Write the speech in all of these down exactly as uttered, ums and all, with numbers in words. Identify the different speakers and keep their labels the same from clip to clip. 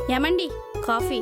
Speaker 1: ఏమండి కాఫీ.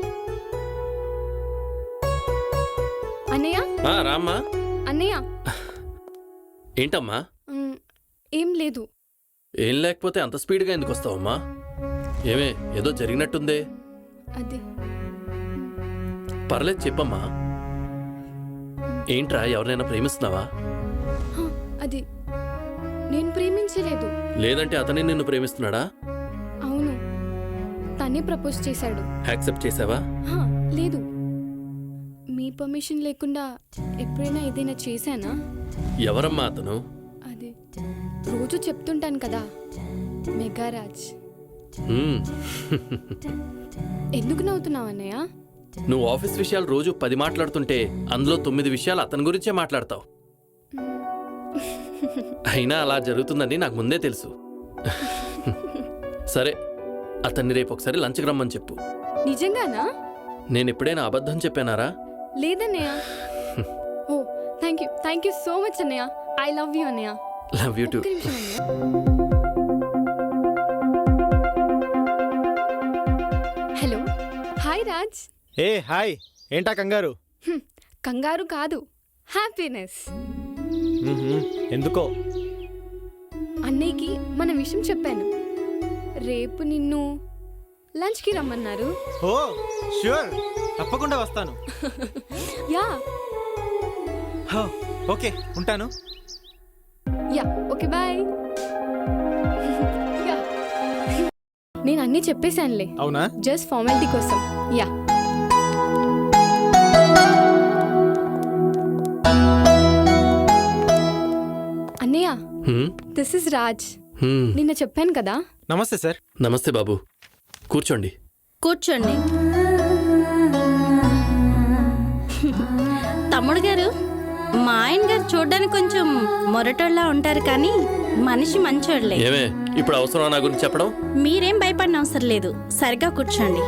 Speaker 2: అన్నయ్య
Speaker 3: ఆ, రామ్మా.
Speaker 2: అన్నయ్య
Speaker 3: ఏంటమ్మా?
Speaker 2: మ్, ఏం లేదు.
Speaker 3: ఏం లేకపోతే అంత స్పీడ్గా ఎందుకు వస్తావమ్మా? ఏమే ఏదో జరిగినట్టుందే.
Speaker 2: అది
Speaker 3: పర్లేదు చెప్పమ్మా. ఏంట్రా, ఎవరినైనా ప్రేమిస్తున్నావా?
Speaker 2: హ, అది నేను ప్రేమించలేదు.
Speaker 3: లేదంటే అతనే నిన్ను ప్రేమిస్తున్నాడా?
Speaker 2: అవును, తనే ప్రపోజ్ చేశాడు.
Speaker 3: యాక్సెప్ట్ చేసావా?
Speaker 2: హ, లేదు. మీ పర్మిషన్ లేకుండా ఎప్పుడైనా ఏదైనా చేశానా?
Speaker 3: ఎవరమ్మా అతను?
Speaker 2: అది రోజు చెప్తుంటాను కదా, మెగారాజ్.
Speaker 3: హ్మ్.
Speaker 2: ఎందుకు నవ్వుతున్నావు అన్నయ్య?
Speaker 3: నువ్వు ఆఫీస్ విషయాలు రోజు పది మాట్లాడుతుంటే అందులో తొమ్మిది విషయాలు అతని గురించే మాట్లాడతావు. అయినా అలా జరుగుతుందని నాకు ముందే తెలుసు. సరే, అతన్ని రేపు ఒకసారి లంచ్కి రమ్మని చెప్పు.
Speaker 2: నిజంగానా?
Speaker 3: నేను ఎప్పుడైనా అబద్ధం చెప్పానారా?
Speaker 2: లేదన్నయ్య. Oh thank you thank you so much అన్నయ్య. ఐ లవ్ యూ అన్నయ్య.
Speaker 3: Love you too.
Speaker 2: ఒక్క నిమిషం అన్నయ్య. Hello, hi Raj.
Speaker 4: ఏ హాయ్, ఏంటా కంగారు?
Speaker 2: హ్మ్, కంగారు కాదు, హ్యాపీనెస్.
Speaker 4: మ్మ్హ్మ్. ఎందుకో?
Speaker 2: అన్నయ్యకి మన విషయం చెప్పాను. రేపు నిన్ను లంచ్కి రమ్మన్నారు.
Speaker 4: ఓ ష్యూర్, తప్పకుండా వస్తాను.
Speaker 2: యా
Speaker 4: హో, ఓకే ఉంటాను.
Speaker 2: Yeah okay bye. యా నేను అన్నీ చెప్పేశానులే,
Speaker 4: అవునా?
Speaker 2: జస్ట్ ఫార్మాలిటీ కోసం. యా అన్నయ్య,
Speaker 3: హ్మ్?
Speaker 2: This is Raj.
Speaker 3: హ్మ్.
Speaker 2: నిన్న చెప్పాను కదా.
Speaker 4: నమస్తే సార్.
Speaker 3: నమస్తే బాబు, కూర్చోండి.
Speaker 1: కూర్చోండి. తమ్ముడు గారు, మా ఆయన గారు చూడడానికి కొంచెం మొరటోళ్ళ ఉంటారు కానీ మనిషి మంచోళ్ళే.
Speaker 3: ఏమే ఇప్పుడు అవసరం నా గురించి చెప్పడం?
Speaker 1: మీరేం భయపడిన అవసరం లేదు, సరిగా కూర్చోండి.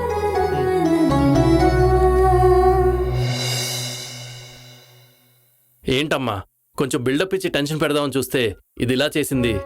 Speaker 3: ఏంటమ్మా, కొంచెం బిల్డప్ ఇచ్చి టెన్షన్ పెడదామని చూస్తే ఇది ఇలా చేసింది.